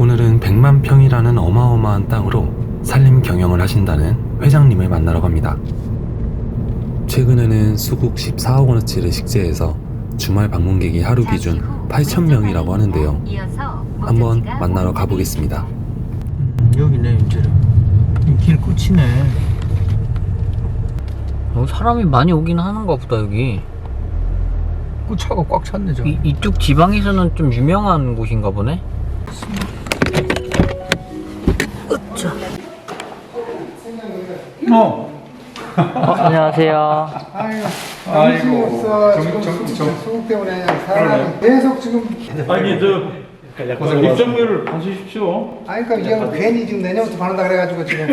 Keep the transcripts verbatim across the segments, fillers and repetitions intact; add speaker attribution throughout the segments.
Speaker 1: 오늘은 백만 평이라는 어마어마한 땅으로 산림 경영을 하신다는 회장님을 만나러 갑니다. 최근에는 수국 십사억 원어치를 식재해서 주말 방문객이 하루 기준 팔천 명이라고 하는데요. 한번 만나러 가보겠습니다.
Speaker 2: 음, 여기네 이제는 길 끝이네.
Speaker 3: 어, 사람이 많이 오긴 하는가 보다. 여기
Speaker 2: 끝차가 꽉 찼네 저기.
Speaker 3: 이, 이쪽 지방에서는 좀 유명한 곳인가 보네. 으쌰.
Speaker 2: 어.
Speaker 3: 어, 안녕하세요.
Speaker 4: 아이고,
Speaker 2: 아이고.
Speaker 4: 없어.
Speaker 2: 정-
Speaker 4: 지금
Speaker 2: 정- 정-
Speaker 4: 수국 때문에 사람이 계속 지금.
Speaker 5: 아니 저 입장료를 받으십시오.
Speaker 4: 아니 그러니까 이게 괜히 지금 내년부터 받는다 그래가지고 지금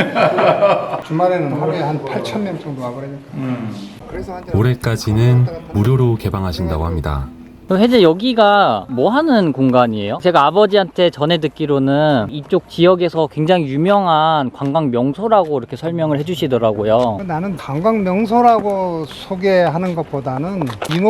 Speaker 4: 주말에는 하루에 한 팔천 명 정도 와버리니까.
Speaker 5: 음.
Speaker 4: 그래서 한
Speaker 1: 올해까지는 무료로 개방하신다고 합니다.
Speaker 3: 혜재, 여기가 뭐 하는 공간이에요? 제가 아버지한테 전해 듣기로는 이쪽 지역에서 굉장히 유명한 관광 명소라고 이렇게 설명을 해주시더라고요.
Speaker 4: 나는 관광 명소라고 소개하는 것보다는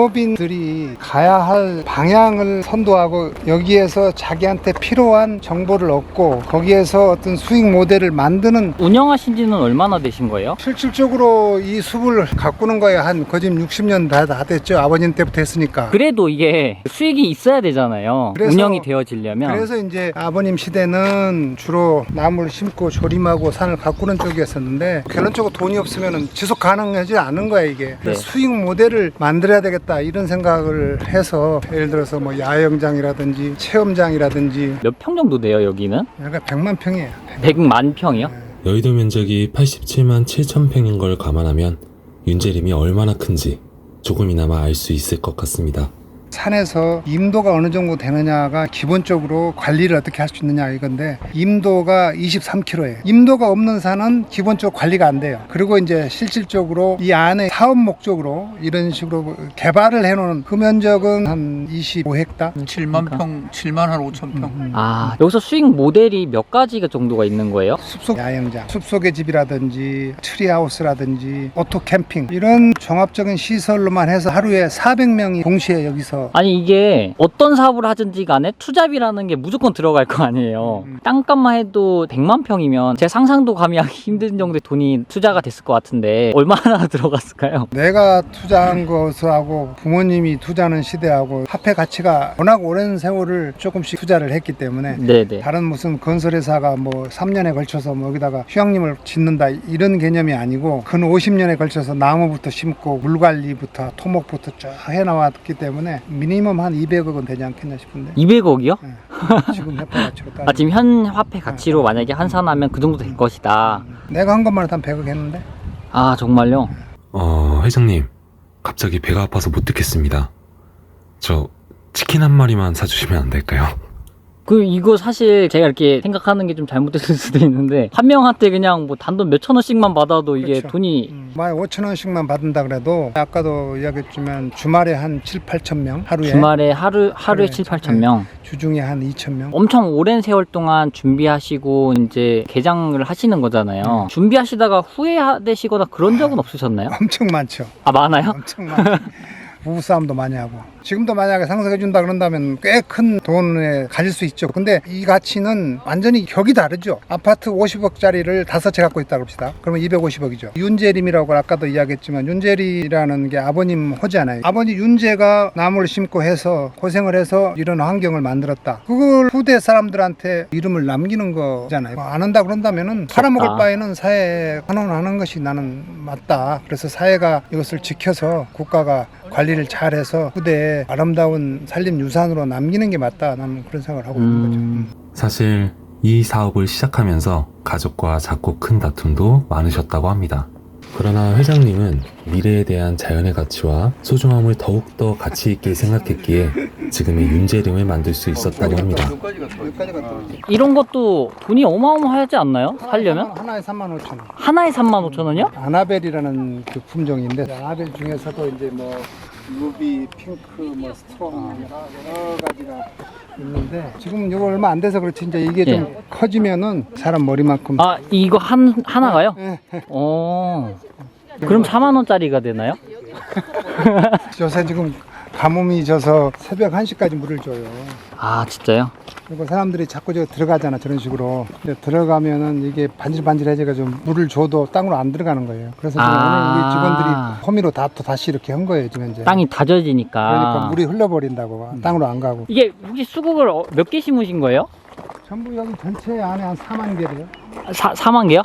Speaker 4: 인호빈들이 가야 할 방향을 선도하고 여기에서 자기한테 필요한 정보를 얻고 거기에서 어떤 수익 모델을 만드는.
Speaker 3: 운영하신 지는 얼마나 되신 거예요?
Speaker 4: 실질적으로 이 숲을 가꾸는 거에 한 거짓 육십 년 다, 다 됐죠. 아버님 때부터 했으니까.
Speaker 3: 그래도 이게 수익이 있어야 되잖아요.
Speaker 4: 그래서-
Speaker 3: 운영이 되어지려면.
Speaker 4: 그래서 이제 아버님 시대는 주로 나무를 심고 조림하고 산을 가꾸는 쪽이었었는데 결론적으로 돈이 없으면 지속 가능하지 않은 거야 이게.
Speaker 3: 네.
Speaker 4: 수익 모델을 만들어야 되겠다 이런 생각을 해서 예를 들어서 뭐 야영장이라든지 체험장이라든지.
Speaker 3: 몇 평 정도 돼요, 여기는?
Speaker 4: 약간 백만 평이에요.
Speaker 3: 백만 평이요?
Speaker 1: 여의도 면적이 팔십칠만 칠천 평인 걸 감안하면 윤재림이 얼마나 큰지 조금이나마 알 수 있을 것 같습니다.
Speaker 4: 산에서 임도가 어느 정도 되느냐가 기본적으로 관리를 어떻게 할 수 있느냐 이건데 임도가 이십삼 킬로미터예요. 임도가 없는 산은 기본적으로 관리가 안 돼요. 그리고 이제 실질적으로 이 안에 사업 목적으로 이런 식으로 개발을 해놓은 그 면적은 한 이십오 헥타.
Speaker 2: 칠만
Speaker 3: 그러니까.
Speaker 2: 평, 칠만 한 오천 평.
Speaker 4: 음.
Speaker 3: 아, 여기서 수익 모델이 몇 가지가 정도가 있는 거예요?
Speaker 4: 숲속 야영장, 숲속의 집이라든지 트리하우스라든지 오토 캠핑 이런 종합적인 시설로만 해서 하루에 사백 명이 동시에 여기서.
Speaker 3: 아니, 이게 어떤 사업을 하든지 간에 투자비라는 게 무조건 들어갈 거 아니에요.
Speaker 4: 음.
Speaker 3: 땅값만 해도 백만 평이면 제 상상도 감이 하기 힘든 정도의 돈이 투자가 됐을 것 같은데 얼마나 들어갔을까요?
Speaker 4: 내가 투자한 것하고 부모님이 투자하는 시대하고 화폐 가치가 워낙 오랜 세월을 조금씩 투자를 했기 때문에
Speaker 3: 네네.
Speaker 4: 다른 무슨 건설회사가 뭐 삼 년에 걸쳐서 뭐 여기다가 휴양림을 짓는다 이런 개념이 아니고 근 오십 년에 걸쳐서 나무부터 심고 물관리부터 토목부터 쭉 해나왔기 때문에 미니멈 한 이백억은 되지 않겠나 싶은데.
Speaker 3: 이백억이요?
Speaker 4: 네. 지금 화폐 가치로 따지면.
Speaker 3: 아, 지금 현 화폐 가치로 만약에 환산하면 그 정도 될 것이다.
Speaker 4: 내가 한 것만 해도 한 백억 했는데.
Speaker 3: 아, 정말요?
Speaker 1: 어, 회장님, 갑자기 배가 아파서 못 듣겠습니다. 저 치킨 한 마리만 사주시면 안 될까요?
Speaker 3: 그 이거 사실 제가 이렇게 생각하는 게 좀 잘못됐을 수도 있는데 한 명한테 그냥 뭐 단돈 몇천 원씩만 받아도 이게
Speaker 4: 그렇죠.
Speaker 3: 돈이
Speaker 4: 음, 만약 오천 원씩만 받는다 그래도 아까도 이야기했지만 주말에 한 칠, 팔천 명 하루에.
Speaker 3: 주말에 하루 하루에
Speaker 4: 그래,
Speaker 3: 칠, 팔천 명.
Speaker 4: 주중에 한 이천 명.
Speaker 3: 엄청 오랜 세월 동안 준비하시고 이제 개장을 하시는 거잖아요.
Speaker 4: 네.
Speaker 3: 준비하시다가 후회되시거나 그런 적은 없으셨나요?
Speaker 4: 엄청 많죠.
Speaker 3: 아, 많아요?
Speaker 4: 엄청 많죠. 부부싸움도 많이 하고 지금도 만약에 상속해 준다 그런다면 꽤 큰 돈에 가질 수 있죠. 근데 이 가치는 완전히 격이 다르죠. 아파트 오십억짜리를 다섯 채 갖고 있다 그럽시다. 그러면 이백오십억이죠. 윤재림이라고 아까도 이야기했지만 윤재리라는 게 아버님 호잖아요. 아버지 윤재가 나무를 심고 해서 고생을 해서 이런 환경을 만들었다. 그걸 후대 사람들한테 이름을 남기는 거잖아요. 뭐 안 한다 그런다면은 팔아먹을 바에는 사회에 환원하는 것이 나는 맞다. 그래서 사회가 이것을 지켜서 국가가 관리를 잘해서 후대에 아름다운 산림 유산으로 남기는 게 맞다. 나는 그런 생각을 하고 있는 거죠.
Speaker 3: 음,
Speaker 1: 사실 이 사업을 시작하면서 가족과 작고 큰 다툼도 많으셨다고 합니다. 그러나 회장님은 미래에 대한 자연의 가치와 소중함을 더욱더 가치 있게 생각했기에 지금의 윤재림을 만들 수 있었다고 합니다.
Speaker 4: 여기까지 갔다 오지.
Speaker 3: 이런 것도 돈이 어마어마하지 않나요? 살려면?
Speaker 4: 하나에 삼만 오천 원.
Speaker 3: 하나에 삼만 오천 원이요?
Speaker 4: 아나벨이라는 그 품종인데 아나벨 중에서도 이제 뭐 루비, 핑크, 뭐 스트롱 여러 가지가 있는데 지금 이거 얼마 안 돼서 그렇지 이제 이게 좀
Speaker 3: 예.
Speaker 4: 커지면은 사람 머리만큼.
Speaker 3: 아, 이거 한 하나가요?
Speaker 4: 예, 예.
Speaker 3: 어. 그럼 사만 원짜리가 되나요?
Speaker 4: 요새 지금 가뭄이 져서 새벽 한 시까지 물을 줘요.
Speaker 3: 아, 진짜요?
Speaker 4: 그리고 사람들이 자꾸 저 들어가잖아, 저런 식으로. 근데 들어가면은 이게 반질반질해져가지고 물을 줘도 땅으로 안 들어가는 거예요. 그래서 지금
Speaker 3: 아.
Speaker 4: 오늘 우리 직원들이 호미로 다 또 다시 이렇게 한 거예요, 지금 이제.
Speaker 3: 땅이 다져지니까.
Speaker 4: 그러니까 물이 흘러버린다고 땅으로 안 가고.
Speaker 3: 이게 혹시 수국을 어- 몇 개 심으신 거예요?
Speaker 4: 전부 여기 전체 안에 한 사만 개래요.
Speaker 3: 사, 사만 개요?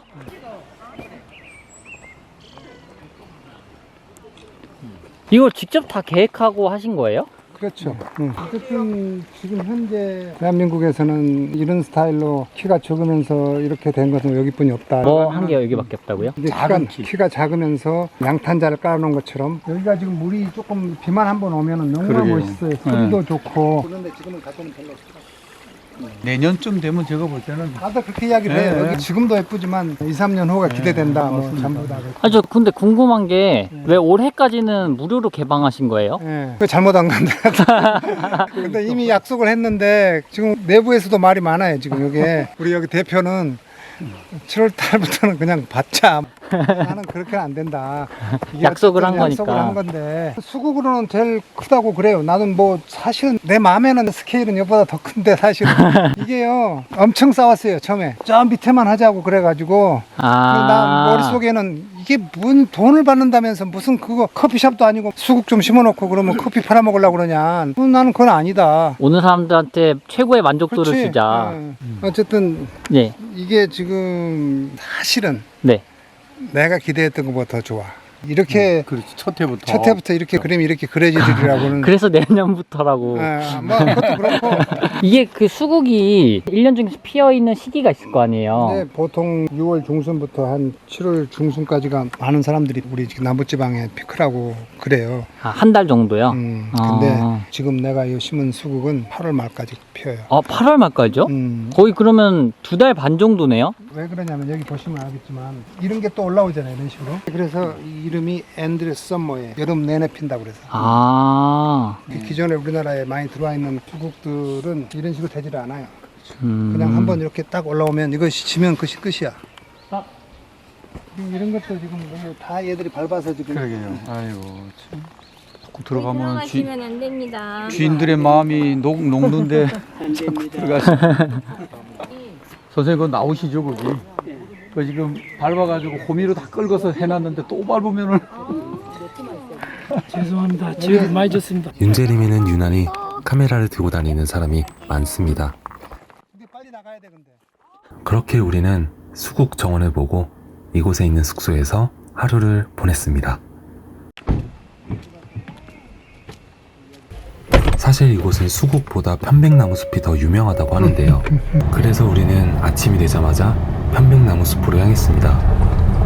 Speaker 3: 이걸 직접 다 계획하고 하신 거예요?
Speaker 4: 그렇죠. 응. 어쨌든 지금 현재 대한민국에서는 이런 스타일로 키가 적으면서 이렇게 된 것은 여기뿐이 없다.
Speaker 3: 뭐 한 개가 여기밖에 없다고요?
Speaker 4: 근데 키가, 키가 작으면서 양탄자를 깔아놓은 것처럼 여기가 지금 물이 조금 비만 한번 오면은 너무
Speaker 5: 그러게요.
Speaker 4: 멋있어요. 소리도 좋고. 그런데 지금은 갖고는 별로 없어.
Speaker 5: 내년쯤 되면 제가 볼 때는
Speaker 4: 다들 그렇게 이야기를
Speaker 5: 네,
Speaker 4: 해요.
Speaker 5: 네.
Speaker 4: 여기 지금도 예쁘지만 이, 삼 년 후가 기대된다. 뭐 전부 다.
Speaker 3: 아, 저 근데 궁금한 게 왜 올해까지는 무료로 개방하신 거예요?
Speaker 4: 예. 그 잘못한 건데. 근데 이미 약속을 했는데 지금 내부에서도 말이 많아요. 지금 이게 우리 여기 대표는 칠월 달부터는 그냥 받자. 나는 그렇게는 안 된다. 이게
Speaker 3: 약속을 한
Speaker 4: 어쨌든 약속을
Speaker 3: 거니까.
Speaker 4: 한 건데 수국으로는 제일 크다고 그래요. 나는 뭐 사실은 내 마음에는 스케일은 이보다 더 큰데 사실은 이게요 엄청 싸웠어요 처음에. 저 밑에만 하자고 그래가지고
Speaker 3: 아.
Speaker 4: 나 머릿속에는 이게 뭔 돈을 받는다면서 무슨 그거 커피숍도 아니고 수국 좀 심어놓고 그러면 커피 팔아먹으려고 그러냐. 어, 나는 그건 아니다.
Speaker 3: 오는 사람들한테 최고의 만족도를
Speaker 4: 그렇지.
Speaker 3: 주자.
Speaker 4: 예. 어쨌든
Speaker 3: 네.
Speaker 4: 이게 지금 사실은
Speaker 3: 네.
Speaker 4: 내가 기대했던 것보다 더 좋아. 이렇게
Speaker 5: 그렇지 첫 해부터
Speaker 4: 첫 해부터 이렇게 그림이 이렇게 그려지리라고는.
Speaker 3: 그래서 내년부터라고.
Speaker 4: 예, 뭐 그것도 그렇고.
Speaker 3: 이게 그 수국이 일 년 중에서 피어 있는 시기가 있을 거 아니에요.
Speaker 4: 근데 보통 유월 중순부터 한 칠월 중순까지가 많은 사람들이 우리 지금 남부지방에 피크라고 그래요.
Speaker 3: 아, 한 달 정도요?
Speaker 4: 음, 근데
Speaker 3: 아.
Speaker 4: 지금 내가 이 심은 수국은 팔월 말까지 피어요.
Speaker 3: 아, 팔월 말까지요?
Speaker 4: 음,
Speaker 3: 거의 그러면 두 달 반 정도네요?
Speaker 4: 왜 그러냐면 여기 보시면 알겠지만 이런 게 또 올라오잖아요, 이런 식으로. 그래서 이 이름이 엔드레스 썸머에 여름 내내 핀다고 그래서.
Speaker 3: 아.
Speaker 4: 그 기존에 우리나라에 많이 들어와 있는 수국들은 이런 식으로 되지를 않아요.
Speaker 3: 음.
Speaker 4: 그냥 한번 이렇게 딱 올라오면 이것이 지면 그것이 끝이야.
Speaker 3: 아.
Speaker 4: 지금 이런 것도 지금 너무 다 얘들이 밟아서 지금.
Speaker 5: 그러게요. 아이고 참. 자꾸 들어가면 쥐,
Speaker 6: 들어가시면 안 됩니다.
Speaker 5: 주인들의 마음이 녹, 녹는데 자꾸 들어가시. 선생님 그거 나오시죠 거기. 그 지금 밟아가지고 호미로 다 끌고서 해놨는데 또 밟으면은.
Speaker 7: 죄송합니다. 지금 많이 줬습니다.
Speaker 1: 윤재림에는 유난히 카메라를 들고 다니는 사람이 많습니다.
Speaker 4: 근데 빨리 나가야 돼 근데.
Speaker 1: 그렇게 우리는 수국 정원을 보고 이곳에 있는 숙소에서 하루를 보냈습니다. 사실 이곳은 수국보다 편백나무 숲이 더 유명하다고 하는데요. 그래서 우리는 아침이 되자마자 편백나무 숲으로 향했습니다.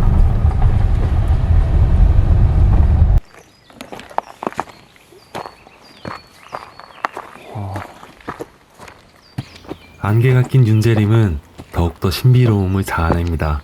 Speaker 1: 안개가 낀 윤재림은 더욱더 신비로움을 자아냅니다.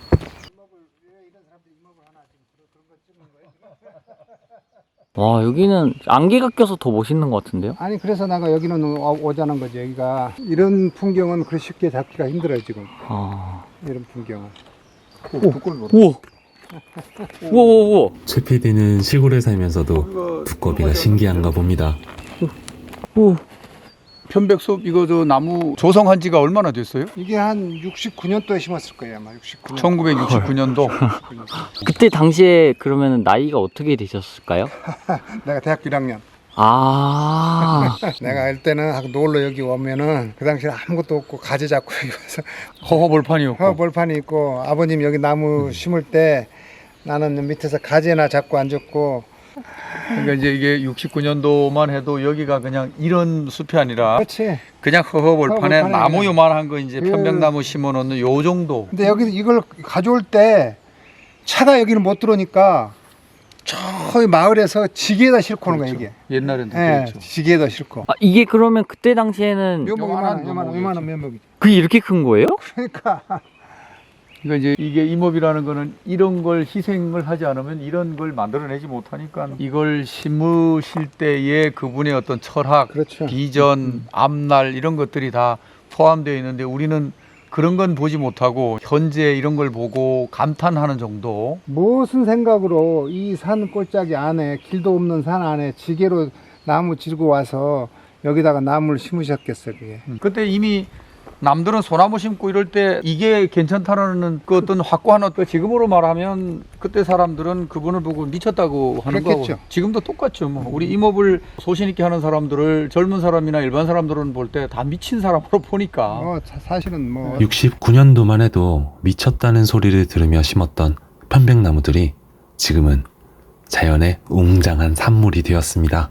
Speaker 3: 와, 여기는 안개가 껴서 더 멋있는 것 같은데요?
Speaker 4: 아니 그래서 내가 여기는 오- 오자는 거지. 여기가 이런 풍경은 그리 쉽게 잡기가 힘들어요 지금.
Speaker 3: 아.
Speaker 4: 이런 풍경은.
Speaker 3: 우와! 우와, 우와, 우와!
Speaker 1: 최 피디는 시골에 살면서도 두꺼비가 신기한가 봅니다.
Speaker 3: 우와.
Speaker 5: 편백숲 이거 저 나무 조성한 지가 얼마나 됐어요?
Speaker 4: 이게 한 육십구 년도에 심었을 거예요 아마. 육십구 년.
Speaker 5: 천구백육십구 년도.
Speaker 3: 그때 당시에 그러면 나이가 어떻게 되셨을까요?
Speaker 4: 내가 대학교 일 학년.
Speaker 3: 아.
Speaker 4: 내가 알 때는 하고 놀러 여기 오면은 그 당시에 아무것도 없고 가지 잡고 여기 와서
Speaker 5: 허허벌판이었고.
Speaker 4: 어, 벌판이 있고 아버님 여기 나무 심을 때 나는 밑에서 가지나 잡고 앉았고.
Speaker 5: 그러니까 이제 이게 육십구 년도만 해도 여기가 그냥 이런 숲이 아니라
Speaker 4: 그렇지.
Speaker 5: 그냥 허허벌판에
Speaker 4: 허허벌판에
Speaker 5: 나무
Speaker 4: 그냥.
Speaker 5: 요만한 거 이제
Speaker 4: 그-
Speaker 5: 편백나무 심어놓는 요 정도.
Speaker 4: 근데 여기 이걸 가져올 때 차가 여기는 못 들어오니까 저기 마을에서 지게에다 싣고 오는 거야 이게.
Speaker 5: 옛날엔 다
Speaker 4: 예,
Speaker 5: 그랬죠.
Speaker 4: 지게에다 싣고.
Speaker 3: 아, 이게 그러면 그때 당시에는
Speaker 4: 요만
Speaker 5: 요만한
Speaker 4: 요만 요만
Speaker 5: 묘목이었지.
Speaker 4: 요만한 면목이지.
Speaker 3: 그게 이렇게 큰 거예요?
Speaker 4: 그러니까
Speaker 5: 그러니까 이제 이게 임업이라는 거는 이런 걸 희생을 하지 않으면 이런 걸 만들어내지 못하니까 이걸 심으실 때의 그분의 어떤 철학,
Speaker 4: 그렇죠.
Speaker 5: 비전, 앞날 이런 것들이 다 포함되어 있는데 우리는 그런 건 보지 못하고 현재 이런 걸 보고 감탄하는 정도.
Speaker 4: 무슨 생각으로 이 산 꼴짝이 안에 길도 없는 산 안에 지게로 나무 지르고 와서 여기다가 나무를 심으셨겠어요, 그게.
Speaker 5: 그때 이미 남들은 소나무 심고 이럴 때 이게 괜찮다라는 그 어떤 확고한 그 지금으로 말하면 그때 사람들은 그분을 보고 미쳤다고 하는
Speaker 4: 그랬겠죠.
Speaker 5: 거고 지금도 똑같죠. 뭐 우리 임업을 소신 있게 하는 사람들을 젊은 사람이나 일반 사람들은 볼 때 다 미친 사람으로 보니까
Speaker 4: 뭐 사- 사실은 뭐
Speaker 1: 육십구 년도만 해도 미쳤다는 소리를 들으며 심었던 편백나무들이 지금은 자연의 웅장한 산물이 되었습니다.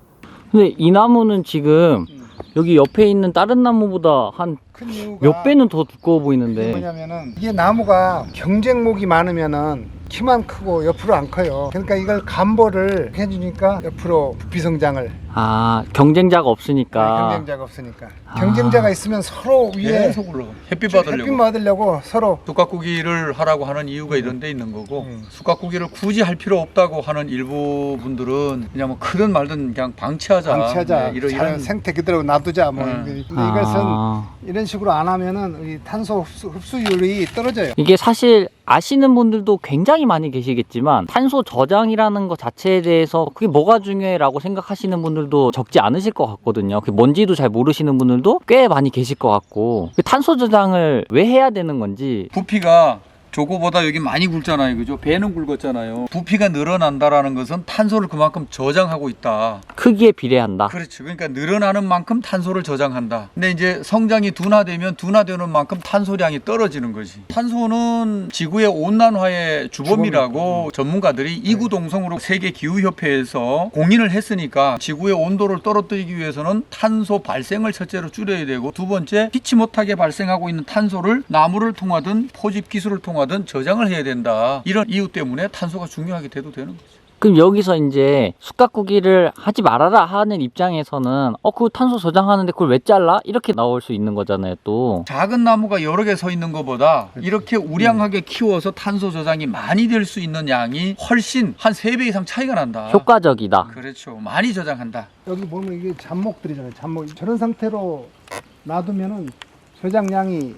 Speaker 3: 근데 이 나무는 지금 여기 옆에 있는 다른 나무보다 한
Speaker 4: 큰 이유가
Speaker 3: 몇 배는 더 두꺼워
Speaker 4: 그게
Speaker 3: 보이는데.
Speaker 4: 뭐냐면은 이게 나무가 경쟁목이 많으면은 키만 크고 옆으로 안 커요. 그러니까 이걸 감보를 해주니까 옆으로 부피 성장을
Speaker 3: 아, 경쟁자가 없으니까.
Speaker 4: 경쟁자가 없으니까
Speaker 3: 아.
Speaker 4: 경쟁자가 있으면 서로 위에
Speaker 5: 계속 올라가. 햇빛 받으려고.
Speaker 4: 햇빛 받으려고 서로
Speaker 5: 쑥갓구기를 하라고 하는 이유가 이런 데 있는 거고
Speaker 4: 음.
Speaker 5: 쑥갓구기를 굳이 할 필요 없다고 하는 일부 분들은 그냥 뭐 크든 말든 그냥 방치하자.
Speaker 4: 방치하자,
Speaker 5: 네, 이런,
Speaker 4: 자연
Speaker 5: 이런
Speaker 4: 생태 그대로 놔두자 뭐.
Speaker 5: 네.
Speaker 4: 근데
Speaker 3: 아.
Speaker 4: 이것은 이런 식으로 안 하면은 이 탄소 흡수, 흡수율이 떨어져요.
Speaker 3: 이게 사실 아시는 분들도 굉장히 많이 계시겠지만 탄소 저장이라는 것 자체에 대해서 그게 뭐가 중요해라고 생각하시는 분들도 적지 않으실 것 같거든요. 그 뭔지도 잘 모르시는 분들도 꽤 많이 계실 것 같고 그 탄소 저장을 왜 해야 되는 건지.
Speaker 5: 부피가 저거보다 여기 많이 굵잖아요. 그죠? 배는 굵었잖아요. 부피가 늘어난다라는 것은 탄소를 그만큼 저장하고 있다.
Speaker 3: 크기에 비례한다.
Speaker 5: 그렇죠. 그러니까 늘어나는 만큼 탄소를 저장한다. 근데 이제 성장이 둔화되면 둔화되는 만큼 탄소량이 떨어지는 거지. 탄소는 지구의 온난화의 주범이라고 전문가들이 이구동성으로 세계 기후협회에서 공인을 했으니까 지구의 온도를 떨어뜨리기 위해서는 탄소 발생을 첫째로 줄여야 되고 두 번째 피치 못하게 발생하고 있는 탄소를 나무를 통하든 포집 기술을 통하든 저장을 해야 된다. 이런 이유 때문에 탄소가 중요하게 돼도 되는 거죠.
Speaker 3: 그럼 여기서 이제 숯가꾸기를 하지 말아라 하는 입장에서는 어, 그 탄소 저장하는데 그걸 왜 잘라? 이렇게 나올 수 있는 거잖아요, 또.
Speaker 5: 작은 나무가 여러 개 서 있는 것보다 이렇게 우량하게 키워서 탄소 저장이 많이 될 수 있는 양이 훨씬 한 세 배 이상 차이가 난다.
Speaker 3: 효과적이다.
Speaker 5: 그렇죠. 많이 저장한다.
Speaker 4: 여기 보면 이게 잡목들이잖아요. 잡목. 저런 상태로 놔두면은 저장량이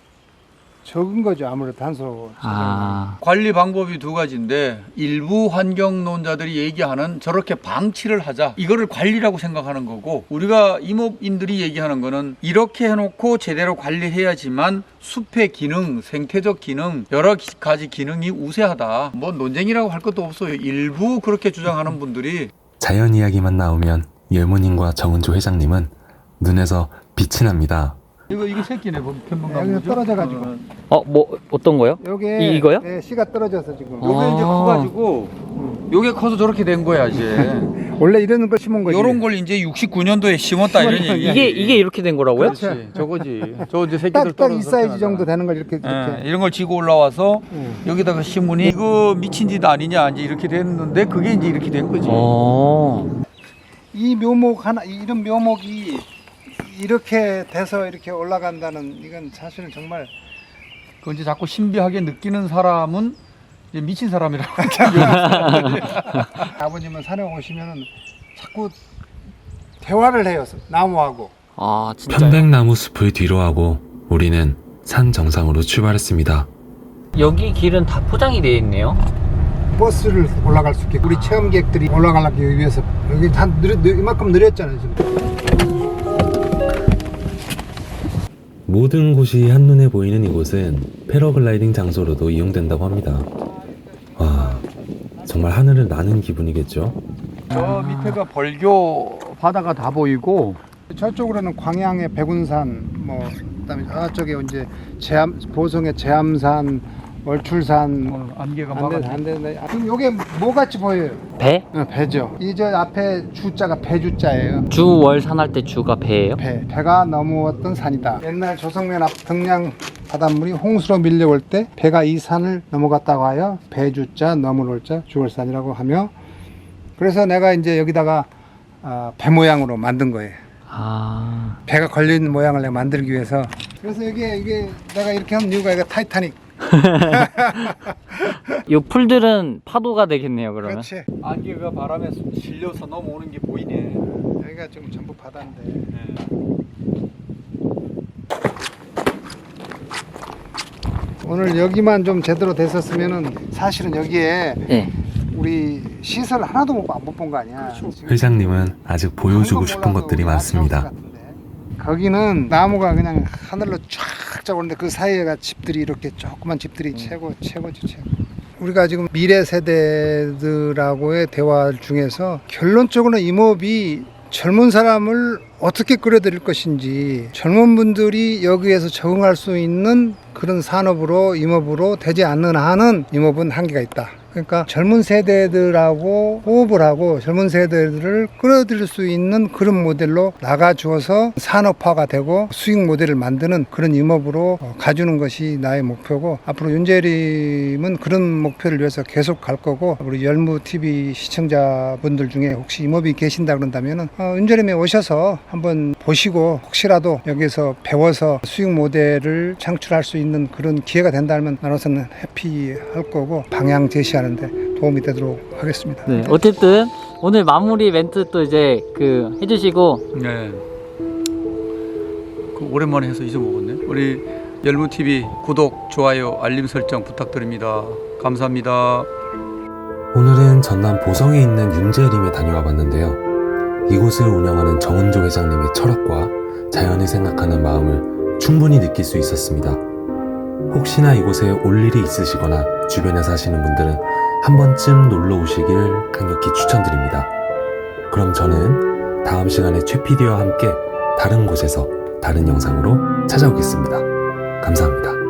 Speaker 4: 적은 거죠. 아무래도 탄소 저장.
Speaker 3: 아,
Speaker 5: 관리 방법이 두 가지인데 일부 환경론자들이 얘기하는 저렇게 방치를 하자. 이거를 관리라고 생각하는 거고 우리가 임업인들이 얘기하는 거는 이렇게 해놓고 제대로 관리해야지만 숲의 기능, 생태적 기능, 여러 가지 기능이 우세하다. 뭐 논쟁이라고 할 것도 없어요. 일부 그렇게 주장하는 분들이
Speaker 1: 자연 이야기만 나오면 열무님과 정은조 회장님은 눈에서 빛이 납니다.
Speaker 5: 이거 이게 새끼네 편문가무.
Speaker 4: 여기가 떨어져가지고.
Speaker 3: 어, 뭐 어떤 거요?
Speaker 4: 요게
Speaker 3: 이- 이거요?
Speaker 4: 네, 씨가 떨어져서 지금.
Speaker 3: 어.
Speaker 5: 요게 이제
Speaker 3: 아.
Speaker 5: 커가지고 요게 커서 저렇게 된 거야 이제.
Speaker 4: 원래 이런 걸 심은 거지.
Speaker 5: 요런 걸 이제 육십구 년도에 심었다 이런 얘기.
Speaker 3: 이게 이게 이렇게 된 거라고요?
Speaker 5: 그렇지. 저거지. 저 이제 새끼들
Speaker 4: 딱딱 이
Speaker 5: 떨어져서
Speaker 4: 사이즈
Speaker 5: 나가.
Speaker 4: 정도 되는 걸 이렇게 이렇게.
Speaker 5: 예, 이런 걸 지고 올라와서
Speaker 4: 음.
Speaker 5: 여기다가 심으니 이거 미친 짓 아니냐 이제 이렇게 됐는데 그게 이제 이렇게 된 거지.
Speaker 3: 어.
Speaker 4: 이 묘목 하나 이런 묘목이 이렇게 돼서 이렇게 올라간다는 이건 사실은 정말
Speaker 5: 그 이제 자꾸 신비하게 느끼는 사람은 이제 미친 사람이라고.
Speaker 4: 아버님은 산에 오시면은 자꾸 대화를 해요. 나무하고.
Speaker 3: 아, 진짜.
Speaker 1: 편백나무 숲을 뒤로하고 우리는 산 정상으로 출발했습니다.
Speaker 3: 여기 길은 다 포장이 되어 있네요.
Speaker 4: 버스를 올라갈 수 있게 우리 체험객들이 올라가기 위해서 여기 한 느려, 느, 이만큼 느렸잖아요 지금.
Speaker 1: 모든 곳이 한눈에 보이는 이곳은 패러글라이딩 장소로도 이용된다고 합니다. 와, 정말 하늘을 나는 기분이겠죠?
Speaker 5: 저 밑에가 벌교 바다가 다 보이고
Speaker 4: 저쪽으로는 광양의 백운산, 뭐 그다음에 저쪽에 이제 제암, 보성의 제암산, 월출산,
Speaker 5: 어, 안개가
Speaker 4: 안돼
Speaker 5: 막아.
Speaker 4: 안돼. 그럼 요게 뭐 같이 보여요?
Speaker 3: 배?
Speaker 4: 어, 배죠. 이 저 앞에 주자가 배주자예요.
Speaker 3: 주월산할 때 주가 배예요?
Speaker 4: 배. 배가 넘어왔던 산이다. 옛날 조성면 앞 등량 바닷물이 홍수로 밀려올 때 배가 이 산을 넘어갔다고 하여 배주자 넘어올 자 주월산이라고 하며 그래서 내가 이제 여기다가 아, 배 모양으로 만든 거예요.
Speaker 3: 아.
Speaker 4: 배가 걸려있는 모양을 내가 만들기 위해서. 그래서 이게 이게 내가 이렇게 한 이유가 이거 타이타닉.
Speaker 3: 이 풀들은 파도가 되겠네요, 그러면.
Speaker 4: 그렇지.
Speaker 5: 안개가 바람에 실려서 넘어오는 게 보이네.
Speaker 4: 여기가 지금 전부 바다인데. 오늘 여기만 좀 제대로 됐었으면은 사실은 여기에
Speaker 3: 네.
Speaker 4: 우리 시설 하나도 못 본 거 아니야. 지금
Speaker 1: 회장님은 아직 보여주고 싶은 것들이 많습니다.
Speaker 4: 거기는 나무가 그냥 하늘로 쫙쫙 오는데 그 사이에가 집들이 이렇게 조그만 집들이 최고 최고죠 최고. 우리가 지금 미래 세대들하고의 대화 중에서 결론적으로는 임업이 젊은 사람을 어떻게 끌어들일 것인지, 젊은 분들이 여기에서 적응할 수 있는 그런 산업으로 임업으로 되지 않는 한은 임업은 한계가 있다. 그러니까 젊은 세대들하고 호흡을 하고 젊은 세대들을 끌어들일 수 있는 그런 모델로 나가주어서 산업화가 되고 수익 모델을 만드는 그런 임업으로 가주는 것이 나의 목표고, 앞으로 윤재림은 그런 목표를 위해서 계속 갈 거고, 우리 열무티비 시청자분들 중에 혹시 임업이 계신다 그런다면 어, 윤재림에 오셔서 한번 보시고 혹시라도 여기서 배워서 수익 모델을 창출할 수 있는 그런 기회가 된다면 나로서는 해피할 거고, 방향 제시하는데 도움이 되도록 하겠습니다.
Speaker 3: 네, 어쨌든 오늘 마무리 멘트 또 이제 그 해주시고.
Speaker 5: 네. 그 오랜만에 해서 잊어먹었네. 우리 열무티비 구독, 좋아요, 알림 설정 부탁드립니다. 감사합니다.
Speaker 1: 오늘은 전남 보성에 있는 윤재림에 다녀와 봤는데요. 이곳을 운영하는 정은조 회장님의 철학과 자연을 생각하는 마음을 충분히 느낄 수 있었습니다. 혹시나 이곳에 올 일이 있으시거나 주변에 사시는 분들은 한 번쯤 놀러 오시길 강력히 추천드립니다. 그럼 저는 다음 시간에 최 피디와 함께 다른 곳에서 다른 영상으로 찾아오겠습니다. 감사합니다.